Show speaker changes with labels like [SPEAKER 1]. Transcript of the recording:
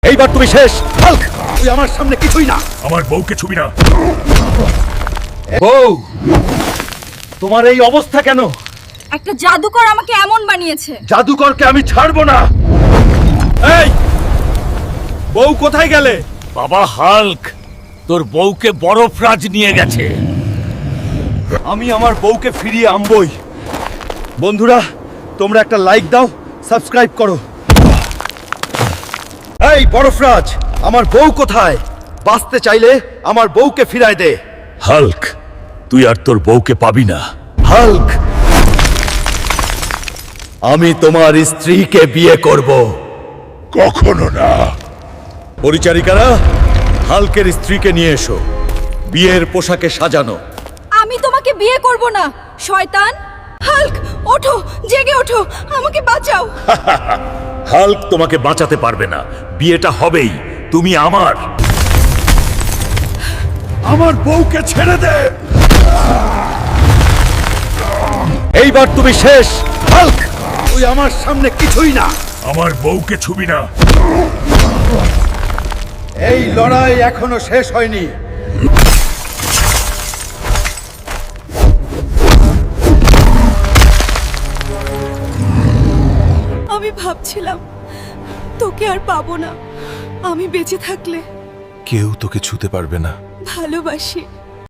[SPEAKER 1] এইবার তুমি শেষ। হাল্ক, তুই আমার সামনে কিছুই না।
[SPEAKER 2] আমার বউকে ছুবি না।
[SPEAKER 1] বউ, তোমার এই অবস্থা কেন?
[SPEAKER 3] একটা জাদুকর আমাকে এমন বানিয়েছে।
[SPEAKER 1] জাদুকরকে আমি ছাড়বো না। এই, বউ কোথায় গেলে?
[SPEAKER 2] বাবা হাল্ক, তোর বউকে বরফরাজ নিয়ে গেছে।
[SPEAKER 1] আমি আমার বউকে ফিরিয়ে আনবই। বন্ধুরা, তোমরা একটা লাইক দাও, সাবস্ক্রাইব করো। এই বরফরাজ, আমার বউ কোথায়? বাঁচতে চাইলে আমার বউকে ফিরায় দে।
[SPEAKER 2] হাল্ক, তুই আর তোর বউকে পাবি না।
[SPEAKER 1] হাল্ক, আমি তোমার স্ত্রীকে বিয়ে করব।
[SPEAKER 2] কখনো না।
[SPEAKER 1] পরিচারিকারা, হাল্কের স্ত্রীকে নিয়ে এসো, বিয়ের পোশাকে সাজানো।
[SPEAKER 3] আমি তোমাকে বিয়ে করব না, শয়তান। হাল্ক, ওঠো, জেগে ওঠো, আমাকে বাঁচাও।
[SPEAKER 2] হাল্ক তোমাকে বাঁচাতে পারবে না। বিয়েটা হবেই। তুমি আমার। আমার বউকে ছেড়ে দে।
[SPEAKER 1] এইবার তুমি শেষ। হাল্ক, তুই আমার সামনে কিছুই না।
[SPEAKER 2] আমার বউকে ছুবি না।
[SPEAKER 1] এই লড়াই এখনো শেষ হয়নি।
[SPEAKER 3] আমি ভাবছিলাম তোকে আর পাবো না। আমি বেঁচে থাকলে
[SPEAKER 4] কেউ তোকে ছুতে পারবে না।
[SPEAKER 3] ভালোবাসি।